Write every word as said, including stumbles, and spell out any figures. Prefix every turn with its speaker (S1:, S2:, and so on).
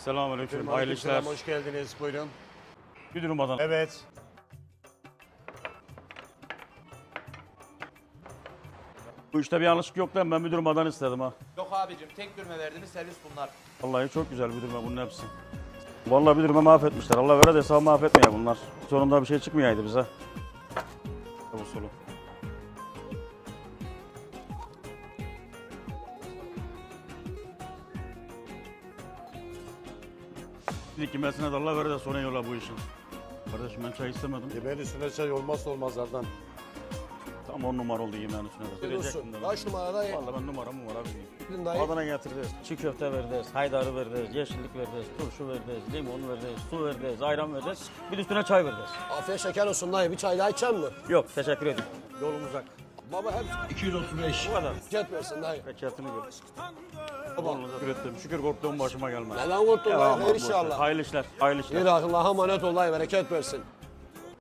S1: Selamünaleyküm. Hayırlı işler.
S2: Selam, hoş geldiniz. Buyurun.
S1: Müdürüm Adana.
S2: Evet.
S1: Bu işte bir yanlışlık yok lan. Ben müdürüm Adana istedim ha.
S3: Yok abicim tek dürme verdiniz servis bunlar.
S1: Vallahi çok güzel müdürüm bunun hepsi. Vallahi müdürüme mahvetmişler. Allah vere de hesabı mahvetmeye bunlar. Sonunda bir şey çıkmayaydı bize. Bu solu. İlk kimesine de Allah vere de sonra yola bu işin. Kardeşim ben çay istemedim.
S2: Yemeğin üstüne çay olmazsa olmazlardan.
S1: Tam on numara oldu yemeğin üstüne de.
S4: Olsun. Kaç numarada?
S1: Vallahi ben numara numara bileyim.
S4: Gidin dayı.
S1: Adana getiririz. Çiğ köfte veririz, haydarı veririz, yeşillik veririz, turşu veririz, limon veririz, su veririz, ayran veririz. Bir de üstüne çay veririz.
S4: Afiyet şeker olsun dayı. Bir çay daha içecek mi?
S1: Yok teşekkür ederim. Yolum uzak.
S4: Baba hep iki yüz otuz beş.
S1: Bu kadar.
S4: Cet versin dayı.
S1: Bekletini gör. Vallahi şükür ettim. Şükür korktuğum başıma gelmez.
S4: Neden korktun
S1: Ya
S4: dayı?
S1: aman
S4: Hayır
S1: boş ver.
S4: inşallah.
S1: Hayırlı işler. Hayırlı işler.
S4: Yürü Allah'a emanet ol dayı. Bereket versin.